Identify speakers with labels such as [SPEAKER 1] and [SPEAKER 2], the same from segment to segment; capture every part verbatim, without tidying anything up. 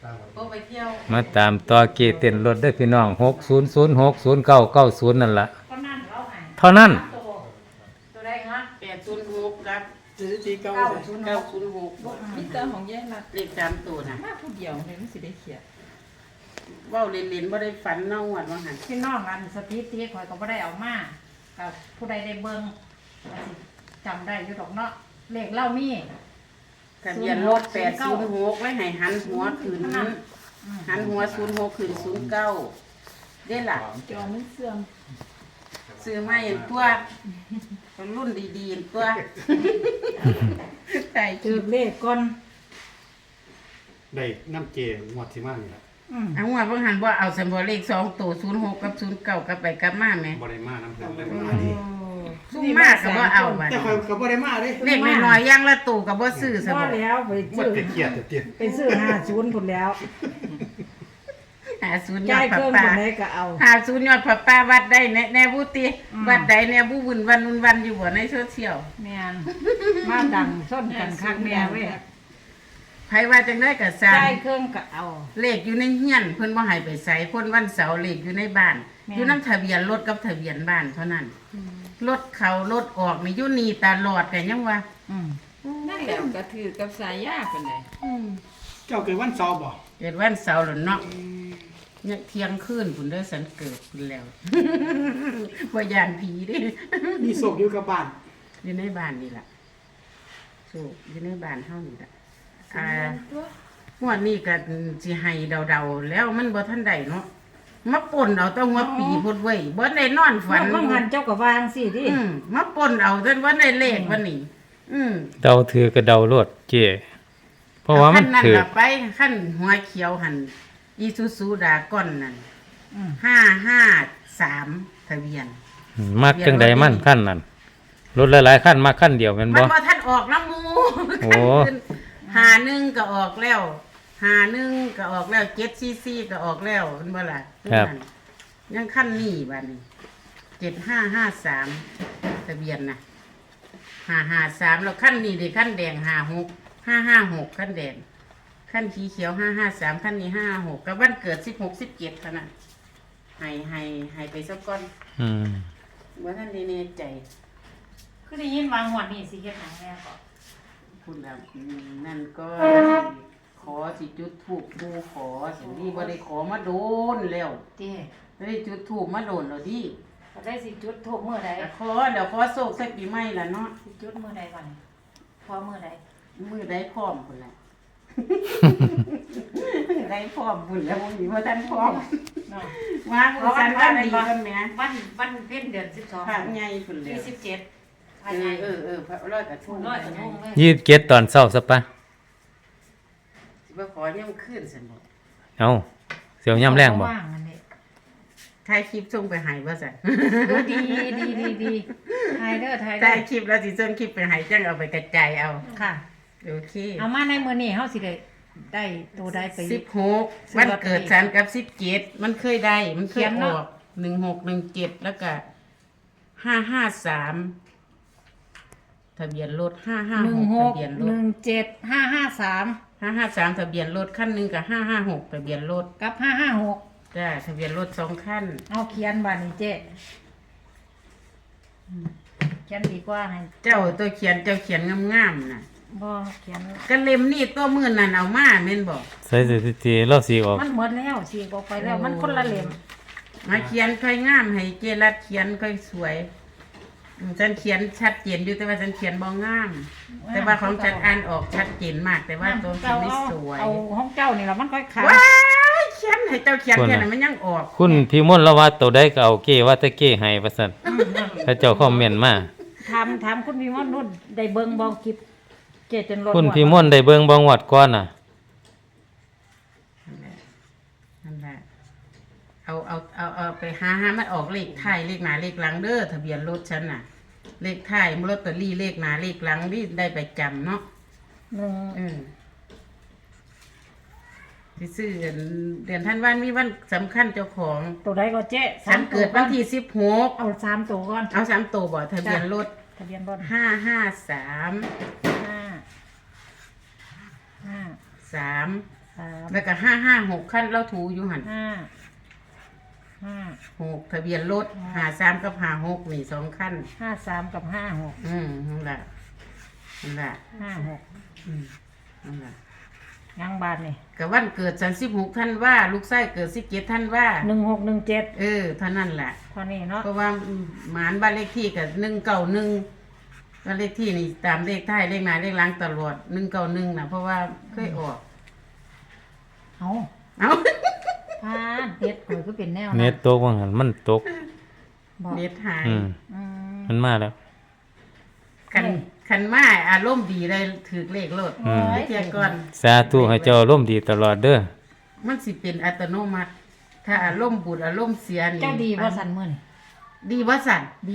[SPEAKER 1] ก็ไปเที่ยว
[SPEAKER 2] มาตามต่อเกเต้นรถได้พี่น้องหกศูนย์ศูนย์หกศูนย์เก้าเก้าศูนย์นั่นล่ะ
[SPEAKER 3] ก็นั่นเราให้
[SPEAKER 2] เท่านั้น
[SPEAKER 3] ตัวตัวได้ฮะ
[SPEAKER 1] แปดศูนย์หกครับ
[SPEAKER 4] ซื้อทีเก้า
[SPEAKER 3] เก้า
[SPEAKER 4] เลย
[SPEAKER 3] ศูนย์ห
[SPEAKER 1] เก้าก ศูนย์หก
[SPEAKER 5] มิเตอร์ของแย่รัด
[SPEAKER 1] เลขสามตัวนะ
[SPEAKER 5] มาผู้เดียวเลยมันสิได้เขียน
[SPEAKER 1] เว้าเล่นๆบ่ได้ฝันเน่าหวัดว่าหัน
[SPEAKER 3] พี่น้องอันสถิติข่อยก็บ่ได้เอามากับผู้ใดได้เบิ่งก็สิจำได้อยู่ดอกเนาะเลขเล่ามี
[SPEAKER 1] ทะเบียนรถแปดศูนย์หกไว้ให้หันหัวขึ้นหันหัวศูนย์หกขึ้นศูนย์เก้าได้ล่ะ
[SPEAKER 5] จอมันเสื่อม
[SPEAKER 1] ซื้อมาเห็นตัวรุ่นดีๆเห็นตัวใส่
[SPEAKER 3] ถือเลขก่อน
[SPEAKER 4] ได้น้ำเจงวดที่มานี่แหละ
[SPEAKER 3] อืม
[SPEAKER 1] เอาหัวเพิ่งหันว่าเอาสมบูรเลขสองตัวศูนย์หกกับศูนย์เก้ากลับไปกลับมาไหม
[SPEAKER 4] บ่ได้มาน้ำเพิ่นได้มาดิ
[SPEAKER 1] ซุ่มมากกับว่าเอาบัด
[SPEAKER 4] แต่คอยก็บ่ได้มาเด้
[SPEAKER 1] เลขน้อยๆอย่างละตัวกับว่าซื้อสม
[SPEAKER 3] พอ
[SPEAKER 1] บูร
[SPEAKER 3] แล้วไป
[SPEAKER 4] บ่
[SPEAKER 3] ซื้อ
[SPEAKER 4] ได้เครียดแต่เตี้ย
[SPEAKER 3] ไปซื้อห้าศูนย์พุ่นแล้ว
[SPEAKER 1] หาศูนย์ยอ
[SPEAKER 3] จ่า
[SPEAKER 1] ด
[SPEAKER 3] ย
[SPEAKER 1] ผั
[SPEAKER 3] เค
[SPEAKER 1] บ
[SPEAKER 3] รื่อง
[SPEAKER 1] ป้า
[SPEAKER 3] พุ่นได้ก็เอา
[SPEAKER 1] หาศูนย์ยอดผับป้าวัดได้แน่แน่บุติ
[SPEAKER 3] อืม
[SPEAKER 1] วัดใดแน่บุวุ่นวันวุ่นวันอยู่บ่ในโซเชียล
[SPEAKER 3] แม่นมาดังส้นกันคักแม่เว้ย
[SPEAKER 1] ไผว่าจังได้ก็สร้า
[SPEAKER 3] จ่าง ยเครื่องก็เอา
[SPEAKER 1] เลขอยู่ในเฮียนเพิ่นบ่ให้ไปใส่คนวันเสาร์เลขอยู่ในบ้าน
[SPEAKER 3] แม่น
[SPEAKER 1] อยู่นำทะเบียนรถกับทะเบียนบ้านเท่านั้นรถเข้ารถออกนี่อยู่นี่ตลอดกันยังว่า
[SPEAKER 3] อืม
[SPEAKER 5] นั่นแหละก็ถือกับสายยาเป็นไง
[SPEAKER 4] เจ้าเกิดวันเสาร์บ่
[SPEAKER 1] เกิดวันเสาร์แล้วเนาะเนี่ยเที่ยงคืนพุ่นเด้อสันเกิดพุ่นแล้ว บ่ย่านผีเด้
[SPEAKER 4] มีโศกอยู่กับบ้าน
[SPEAKER 1] อยู่ในบ้านนี่ล่ะสูบอยู่ในบ้านเฮานี่ล่ะอ่า
[SPEAKER 5] ตัว
[SPEAKER 1] งวดนี้ก็สิให้เดาๆแล้วมันบ่ทันได้เนาะมาป่นเอาแตั้งหัวปีพุ่นเว้ยบ่ได้นอนฝั
[SPEAKER 3] ฝั
[SPEAKER 1] น
[SPEAKER 3] นว่างันเจ้าก็วางสิดิ
[SPEAKER 1] อืมมาป่นเอาจนบ่ได้เลขวันนี้ อืม
[SPEAKER 2] เดาถือก็เดารถเจเพราะว่ามัน
[SPEAKER 1] ขั้นั่น
[SPEAKER 2] ถือ
[SPEAKER 1] ล่ะไปขั้นหัวเขียวหันอีซูซูดาก้อนนั่น
[SPEAKER 3] อืม
[SPEAKER 1] ห้าห้าสามทะเบียน
[SPEAKER 2] มักจังใดมันขั้นนั้นรถหลายๆขั้นมาขั้นเดียวแม่น
[SPEAKER 1] มั
[SPEAKER 2] บ่
[SPEAKER 1] นบ่ทันออกน้ำมู
[SPEAKER 2] โอ้
[SPEAKER 1] หาหนึ่งก็ออกแล้วหาหนึ่งก็ออกแล้วเจ็ดซีซีก็ออกแล้วมันบ่ล่ะ
[SPEAKER 2] ครับ
[SPEAKER 1] ยังขั้นนี้บัดนี้เจ็ดห้าห้าสามทะเบียนน่ะห้าห้าสามแล้วขั้นนี้ดิขั้นแดงห้าหกห้าห้าหกขั้นแดงขั้นสีเขียวห้าห้าสามขั้นนี้ห้าหกกับวันเกิดสิบหกสิบเจ็ดเท่านั้นให้ให้ให้ไปสักก้อน
[SPEAKER 2] อืม
[SPEAKER 1] ว่าท่านได้แน่ใจ
[SPEAKER 3] คือได้ยินวางหัวนี่สิเฮ็ดหยังแน่ก็
[SPEAKER 1] คุณแบบนั่นก็ขอสิจุดถูกดูขอสินี่บ่ได้ขอมาโดนแล้ว
[SPEAKER 3] ติ
[SPEAKER 1] ไม่ได้จุดถูกมาโดนแล้วดิ
[SPEAKER 3] ก็ได้สิจุดทูบมื้อใด
[SPEAKER 1] แต่ขอเดี๋ยวขอโศกสักปีใหม่ละเนาะ
[SPEAKER 3] สิจุดมื้อใดก่อนพอมื้อใด
[SPEAKER 1] มือได้พร้อมพุ่นแหละ ได้พร้อมพุ่นแล้วบ่มีบ่ทันพร้อม
[SPEAKER 3] เนาะ
[SPEAKER 1] มาบ่ทันว่าดีกันแหม
[SPEAKER 3] วันวันเพ็ญเดือนสิบสอง
[SPEAKER 1] พระใหญ่พุ่นแล้
[SPEAKER 3] ที่
[SPEAKER 1] ว
[SPEAKER 3] สิบเจ็ด
[SPEAKER 1] เออเออเออพระร้อยกระทง
[SPEAKER 3] ร้อยกระทงเลย
[SPEAKER 2] ยี่สิบเจ็ดตอนเช้าซะปะ
[SPEAKER 1] สิบ่ขอเนี่ยมันขึ้นซั่นบ่
[SPEAKER 2] เอาเสียวย่ำแรงบ่
[SPEAKER 3] ว่างอันนี้
[SPEAKER 1] ถ่ายคลิปส่งไปให้บ่ซั่น
[SPEAKER 3] เออดีดีดีดีไทยเด้อไทยเด้
[SPEAKER 1] ถ่า
[SPEAKER 3] อย
[SPEAKER 1] คลิปแล้วสิส่งคลิปไปให้จังเอาไปกระจายเอา
[SPEAKER 3] ค่ะ
[SPEAKER 1] โอเค
[SPEAKER 3] เอามาในมื้อนี้เฮาสิได้ได้ตัวใดไป
[SPEAKER 1] สิบหกวันเกิดฉันกับสิบเจ็ดมันเคยได้ มันเคย
[SPEAKER 3] เขียน
[SPEAKER 1] อ
[SPEAKER 3] เนาะ
[SPEAKER 1] อกหนึ่งหกหนึ่งเจ็ดแล้วก็ห้าห้าสามทะเบียนรถห้าห้า
[SPEAKER 3] หนึ่
[SPEAKER 1] ห
[SPEAKER 3] ง
[SPEAKER 1] ก
[SPEAKER 3] ห
[SPEAKER 1] ทะ
[SPEAKER 3] ก
[SPEAKER 1] เบียนร
[SPEAKER 3] ห
[SPEAKER 1] ถ
[SPEAKER 3] นึ่งเจ็ดห้าห้าสาม
[SPEAKER 1] ห้าห้าสามทะเบียนรถขั้นหนึ่งกับห้าห้าหกทะเบียนรถ
[SPEAKER 3] กับห้าห้าหก
[SPEAKER 1] จ้าทะเบียนรถสองขั้น
[SPEAKER 3] เอาเขียนบานี้เจ๊เขียนดีกว่าให้
[SPEAKER 1] เจ้าตัวเขียนเจ้าเขียนงามๆน่ะ
[SPEAKER 3] บ่เขียน
[SPEAKER 1] ก็เล่มนี่ตัวมือนั่นเอามาแม่นบอก
[SPEAKER 2] ใส่สถิติเราสีออก
[SPEAKER 3] มันหมดแล้วสีออกไปแล้ว มันคนละเล่ม
[SPEAKER 1] มาเขียนค่อยงามให้เจรัดเขียนค่อยสวยอืมฉันเขียนชัดเจนอยู่แต่ว่าฉันเขียนบ่งาม แต่ว่าของฉันอ่านออกชัดเจนมาก แต่ว่าตัวฉันไม่สวย
[SPEAKER 3] เอาห้องเจ้านี่ละมันค่อยขาด
[SPEAKER 1] ว้ายเขียนให้เจ้าเขียน
[SPEAKER 2] คน
[SPEAKER 1] แค่
[SPEAKER 2] น่ะ
[SPEAKER 1] นั้นมันยังออก
[SPEAKER 2] คุณพี่มนต์ละว่าตัวใดก็เอาเก้ว่าแต่เก้ให้ว่าซั่นถ้าเจ้าคอมเมนต์มา
[SPEAKER 3] ถามถามคุณพี่มอนนุ่นได้เบิ่งบ่คลิปเจ๊จนรถ
[SPEAKER 2] คุณพี่มนต์ได้เบิ่งบ่งวดก่อนน่ะ
[SPEAKER 1] นั่นแหละเอาเอาเอาเอาไปหาหามันออกเลขท้ายเลขหน้าเลขหลังเด้อทะเบียนรถฉันน่ะ เลขท้ายลอตเตอรี่เลขหน้าเลขหลังนี่ได้ไปจำเนาะ
[SPEAKER 3] หนึ่ง
[SPEAKER 1] อืมสิซื้อเดือนเดือนธันวาคมมีวันสำคัญเจ้าของ
[SPEAKER 3] ตัวใดก็เจ๊
[SPEAKER 1] ฉันเกิดวันที่สิบหก
[SPEAKER 3] เอาสามตัวก่อน
[SPEAKER 1] เอาสามตัวบ่ทะเบียนรถ
[SPEAKER 3] ทะเบียนรถ
[SPEAKER 1] ห้าห้าสาม
[SPEAKER 3] ห้าห้า
[SPEAKER 1] สามส
[SPEAKER 3] สาม
[SPEAKER 1] แล้วก็ห้าห้าหกขั้นเราถูอยู่หัน
[SPEAKER 3] ห้าห้า
[SPEAKER 1] หกทะเบียนรถหาสามกับหาหกนี่สองขั้น
[SPEAKER 3] ห้าสามกับห้าหก
[SPEAKER 1] อืมนั่นแหละนั่นแหละ
[SPEAKER 3] ห้าหก
[SPEAKER 1] อืมนั่นแหละ
[SPEAKER 3] ยังบาทนี่
[SPEAKER 1] กับวันเกิดฉันสิบหกท่านว่า ลูกไส้เกิดสิบเจ็ดท่านว่า
[SPEAKER 3] หนึ่งหกหนึ่งเจ็ด
[SPEAKER 1] เออเท่านั้นแหละ
[SPEAKER 3] เท่านี้เนาะ
[SPEAKER 1] เพราะว่าหมานบ้านเลขที่กับหนึ่งเก้าหนึ่งบ้านเลขที่นี่ตามเลขท้ายเลขหน้าเลขหลังตลอดหนึ่งเก้าหนึ่งนะเพราะว่าเคยออก
[SPEAKER 3] เอา
[SPEAKER 1] เอา
[SPEAKER 3] พาดเน็ตข่อยก็เป็นแนว
[SPEAKER 2] เน็ตตกว่างั้นมันตก
[SPEAKER 3] บอก
[SPEAKER 1] เน็ตหาย
[SPEAKER 2] อืม
[SPEAKER 3] อืม
[SPEAKER 2] มันมาแล้ว
[SPEAKER 1] คันคันมาอารมณ์ดีเลยถือเลขโลด
[SPEAKER 2] อืม
[SPEAKER 1] ไอ้เทียก่อน
[SPEAKER 2] สาธุให้เจ้าร่มณ์ดีตลอดเด้อ
[SPEAKER 1] มันสิเป็นอัตโนมัติ ถ้าอารมณ์บุญอารมณ์เสียนี่
[SPEAKER 3] เจ้าดีว่าสันมื่อนี่
[SPEAKER 1] ดีว่าสัน
[SPEAKER 3] ดี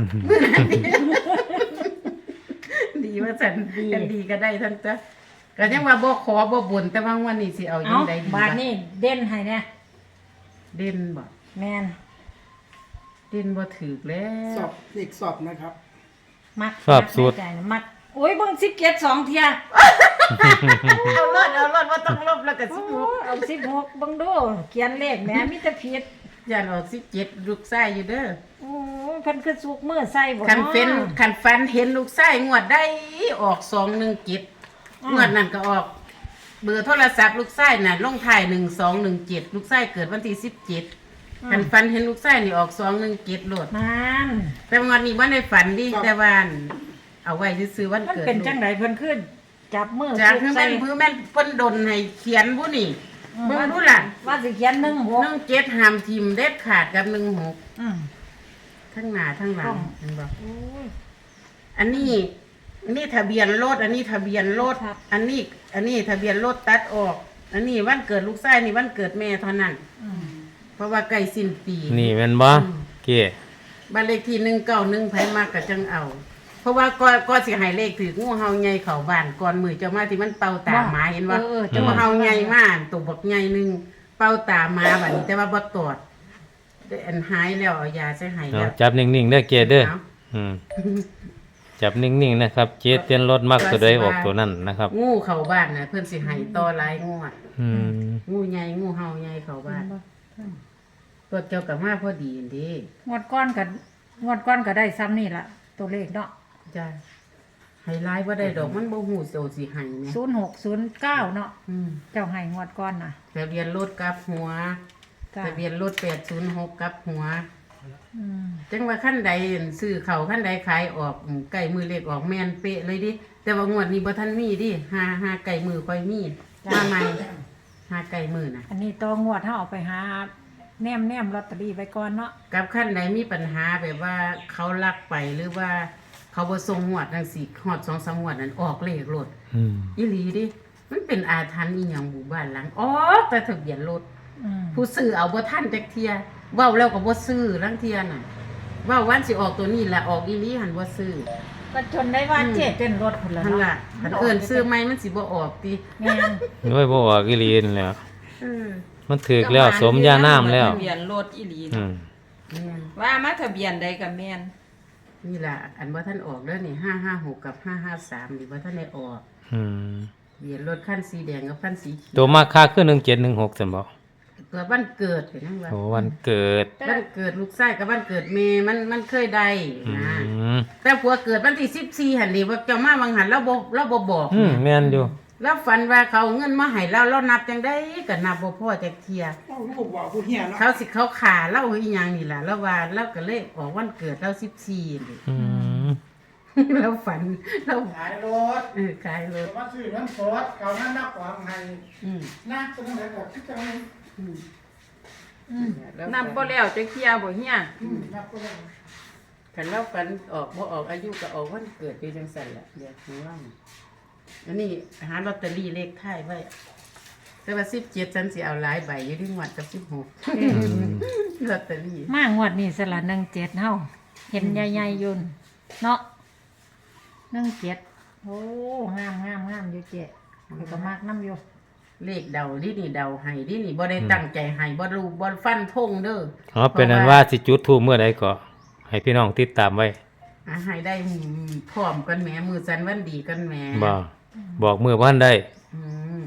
[SPEAKER 1] ดีว่าสัน
[SPEAKER 3] ดี
[SPEAKER 1] กันดีก็ได้ท่านจ้ะก็ยังว่าบ่ขอบ่บ่นแต่ว่าวันนี้สิเอายั
[SPEAKER 3] เอา
[SPEAKER 1] งไดดี
[SPEAKER 3] บาทนี่เด่นให้เนี่ย
[SPEAKER 1] เด่นบ่
[SPEAKER 3] แมน
[SPEAKER 1] เด่นบ่ถูกแล้
[SPEAKER 4] สอ
[SPEAKER 1] ว
[SPEAKER 4] บอีกสอบนะครับ
[SPEAKER 3] มัก
[SPEAKER 2] ชอบ
[SPEAKER 3] มัก
[SPEAKER 2] สูตร
[SPEAKER 3] ในใจนะมักโอ้ยเบิ่งสิบเจ็ดสองเทีย
[SPEAKER 1] เอารถเอารถว่าต้องลบแล้วก็สิบห
[SPEAKER 3] โอ้
[SPEAKER 1] ก
[SPEAKER 3] เอาสิบหกเบิ่งดูเขียนเลขแหม่มีแต่ผิด
[SPEAKER 1] ย่านออกสิบเจ็ดลูกไส้อยู่เด้อ
[SPEAKER 3] โอ้ยเพิ่นคือสุกมือใส่บ่
[SPEAKER 1] คันเป็น
[SPEAKER 3] าะ
[SPEAKER 1] คันฟันเห็นลูกไส้งวดได้ออกสองหนึ่งเจ็ด
[SPEAKER 3] อืม
[SPEAKER 1] งวดนั้นก็ออก เบอร์โทรศัพท์ลูกไส้น่ะลงท้ายหนึ่งสองหนึ่งเจ็ดลูกไส้เกิดวันที่สิบเจ็ดคันฟันเห็นลูกไส้นี่ออกสองหนึ่งเจ็ดโลด
[SPEAKER 3] นั่น
[SPEAKER 1] แต่วันนี้วันในฝันดิ
[SPEAKER 4] ครับ
[SPEAKER 1] แต่ว่าเอาไว้ซื้อๆวัน
[SPEAKER 3] มัน
[SPEAKER 1] เกิด
[SPEAKER 3] เป็นจังไดเพิ่นขึ้นจับมือ
[SPEAKER 1] จาก
[SPEAKER 3] สุ
[SPEAKER 1] คื
[SPEAKER 3] ก
[SPEAKER 1] อ
[SPEAKER 3] ใส่
[SPEAKER 1] แม่นพื้นแม่นเพิ่นดนให้เขียนผู้นี่
[SPEAKER 3] อืม
[SPEAKER 1] เบิ่งดูล่ะ
[SPEAKER 3] ว่าสิเขียนหนึ่งหก
[SPEAKER 1] หนึ่งเจ็ดหามทิมเด็ดขาดกับหนึ่งหก
[SPEAKER 3] อืม
[SPEAKER 1] ทั้งหน้าทั้งหลั
[SPEAKER 3] ต้
[SPEAKER 1] ง
[SPEAKER 3] อง
[SPEAKER 1] เห็นบ่
[SPEAKER 3] โอ้ย
[SPEAKER 1] อันนี้อันนี้ทะเบียนรถอันนี้ทะเบียนรถ
[SPEAKER 3] ครับ
[SPEAKER 1] อันนี้อันนี้ทะเบียนรถตัดออก อันนี้วันเกิดลูกชายนี่วันเกิดแม่เท่านั้น
[SPEAKER 3] อืม
[SPEAKER 1] เพราะว่าใกล้สิ้นปี
[SPEAKER 2] นี่แม่นบ่เก้
[SPEAKER 1] บ้านเลขที่หนึ่งเก้าหนึ่งไผมากก็จังเอา เพราะว่าก็ก็สิให้เลขถืองูเห่าใหญ่เข้าบ้านก่อนมือเจ้ามาที่มันเป่าตาหมาเห็นว่า
[SPEAKER 3] เออเออ
[SPEAKER 1] งูเห่าใหญ่มากตัวบักใหญ่หนึงเป่าตาหมาบัดนี้แต่ว่าบ่ตอดได้อันหายแล้วเอายาใส่ให้
[SPEAKER 2] เอา
[SPEAKER 1] แล้ว
[SPEAKER 2] จับนิ่งๆเด้อเก้เด้อ
[SPEAKER 1] เอา
[SPEAKER 2] อืมจับนิ่งๆนะครับ เจเตียนรถมักตัวใดออกตัวนั้นนะครับ
[SPEAKER 1] งูเข้าบ้านน่ะเพิ่นสิให้ต่อหลายงวด
[SPEAKER 2] อืม
[SPEAKER 1] งูใหญ่งูเห่าใหญ่เข้าบ้านตัวเจ้ากับมาพอดีอันเดี
[SPEAKER 3] งวดก้อนกับงวดก้อนก็ได้ซ้ำนี่ล่ะ ตัวเลขเนาะ
[SPEAKER 1] จ้าให้ร้ายว่าได้ดอกมันบ่หูโซสิให้แหม
[SPEAKER 3] ศูนย์หกศูนย์เก้าเนาะ
[SPEAKER 1] อืม
[SPEAKER 3] เจ้าให้งวดก้อนน่ะ
[SPEAKER 1] ทะเบียนรถกลับหัว
[SPEAKER 3] จ้า
[SPEAKER 1] ทะเบียนรถแปดศูนย์หกกลับหัว
[SPEAKER 3] อืม
[SPEAKER 1] จังว่าขั้นใดซื้อเขาขั้นใดขายออกอืมใกล้มือเลขออกแม่นเป๊ะเลยดิ แต่ว่างวดนี้บ่ทันมีดิหาหาไก่มือค่อยมีมาใหม่หาไก่มือน่ะ
[SPEAKER 3] อันนี้ตัวงวดเฮาเอาไปหาแนมแนมลอตเตอรี่ไว้ก่อนเนาะ
[SPEAKER 1] กับขั้นใดมีปัญหาแบบว่าเขาลักไปหรือว่าเขาบ่ส่งงวดจังซี่ฮอดสองสามงวดนั้นออกเลขรถ
[SPEAKER 2] อืม
[SPEAKER 1] อีหลีดิ มันเป็นอาถรรพ์อีหยังหมู่บ้านหลังอ๋อกแต่ทะเบียนรถ
[SPEAKER 3] อืม
[SPEAKER 1] ผู้ซื้อเอาบ่ทันจักเทียเว้าแล้วก็บ่ซื้อลังเทียน่ะเว้าวันสิออกตัวนี้ละออกอีหลีหันบ่ซื้อ
[SPEAKER 3] ก็จนได้ว่า
[SPEAKER 1] อืม
[SPEAKER 3] เจ๊เป็นรถพุ่นละ
[SPEAKER 1] หั่น
[SPEAKER 3] เนาะ
[SPEAKER 1] ล่ะคันเอิ้นซื้อใหม่มันสิบ่ออกติ
[SPEAKER 3] แม่น
[SPEAKER 2] โอ้ยบ่ออกอีหลีนั่นแหล้ว
[SPEAKER 1] เออ
[SPEAKER 2] มันถึกแล้วสมยาน้ำแล้ว
[SPEAKER 5] ทะเบียนรถอีหลี
[SPEAKER 2] อื
[SPEAKER 5] เนาะ
[SPEAKER 2] ม
[SPEAKER 1] แม่น
[SPEAKER 5] ว่ามาทะเบียนใดกับแม่น
[SPEAKER 1] นี่ล่ะอันบ่ทันออกเด้อนี่ห้าห้าหกกับห้าห้าสามนี่บ่ทันได้ออก
[SPEAKER 2] อืม
[SPEAKER 1] เบียนรถคันสีแดงกับคันสีเขี
[SPEAKER 2] ตัวมาค่าคือหนึ่งเจ็ดหนึ่งหกซั่นบ่
[SPEAKER 1] เกิดวันเกิดเห็นจังว่า
[SPEAKER 2] โอ้วันเกิด
[SPEAKER 1] วันเกิดลูกชายกับวันเกิดแม่มันมันเคยได้
[SPEAKER 2] อื
[SPEAKER 1] นะ
[SPEAKER 2] ม
[SPEAKER 1] แต่ผัวเกิดวันที่สิบสี่หันดีว่าเจ้ามาวังหันเราบ่เราบ่บอก
[SPEAKER 2] อืม
[SPEAKER 1] แม่
[SPEAKER 2] แม่นอยู่
[SPEAKER 1] แล้วฝันว่าเขาเอาเงินมาให้เราเรานับจังได้ก็นับบ่พอจักเทีย
[SPEAKER 4] เอ้าลูกบอกผู้เฮียเนาะ
[SPEAKER 1] เขาสิเขาขาเราอีหยังนี่ล่ะแล้วว่าเราก็เลยออกวันเกิดเราสิบสี่นี่
[SPEAKER 2] อืม
[SPEAKER 1] เราฝันเรา
[SPEAKER 4] ขายรถ
[SPEAKER 1] เออขายรถ
[SPEAKER 4] มาซื้อเงินสดเขานั่นนักความให้
[SPEAKER 1] อืม
[SPEAKER 4] นะจะต้องไหนกับที่จังนี้
[SPEAKER 1] อืม
[SPEAKER 3] อืม
[SPEAKER 1] แล้ว
[SPEAKER 5] นำบ่แล้วจะเคลียร์บ่เฮีย
[SPEAKER 4] อืมนับก็ได้
[SPEAKER 1] คันเราฝันออกบ่ออกอายุก็ออกวันเกิดอยู่จังซั่นล่ะเดี๋ยวของเราอันนี้หาลอตเตอรี่เลขท้ายไว้แต่ว่าสิบเจ็ดฉันสิเอาหลายใบอยู่ที่งวดกับสิบหกลอตเตอรี่
[SPEAKER 3] มางวดนี้สละหนึ่งเจ็ดเฮาเห็นใหญ่ๆอยุ่นเนาะหนึ่งเจ็ดโอ้งามงามงามอยู่เจ๊ข้อยก็มากน้ำอยู่
[SPEAKER 1] เลขเดาดินี่เดาให้ดินี่บ่ได้ตั้งใจให้บ่รู้บ่ฟันธงเด้อ
[SPEAKER 2] อ๋อเป็นนั้นว่าสิจุดธูปเมื่อใดก็ให้พี่น้องติดตามไว้
[SPEAKER 1] อ่ะให้ได้พร้อมกันแหมมือสันวันดีกันแหม
[SPEAKER 2] บ่บอกมือบ่ทันได้
[SPEAKER 1] อืม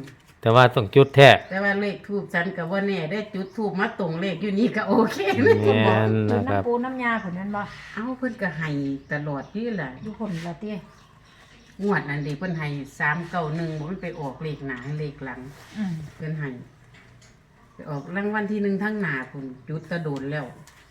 [SPEAKER 2] แต่ว่าต้องจุดแท้
[SPEAKER 1] แต่ว่าเลขทูบฉันก็บ่แน่ได้จุดทูบมาตรงเลขอยู่นี่ก็โอเคเลย
[SPEAKER 2] แม
[SPEAKER 1] ก็บอก
[SPEAKER 2] น
[SPEAKER 3] จุด
[SPEAKER 2] นะครับ
[SPEAKER 3] น้ำปูน้ำยาคนนั้นบ่
[SPEAKER 1] เอ้าเพิ่นก็ให้ตลอดนี่แหละ
[SPEAKER 3] ทุกคนละเตี้ย
[SPEAKER 1] งวดนั้นดิเพิ่นให้สามเก้าหนึ่งมันไปออกเลขหน้าเลขหลัง
[SPEAKER 3] อืม
[SPEAKER 1] เพิ่นให้ไปออกรางวัลที่หนึ่งทั้งหน้าพุ่นจุดตะโดนแล้ว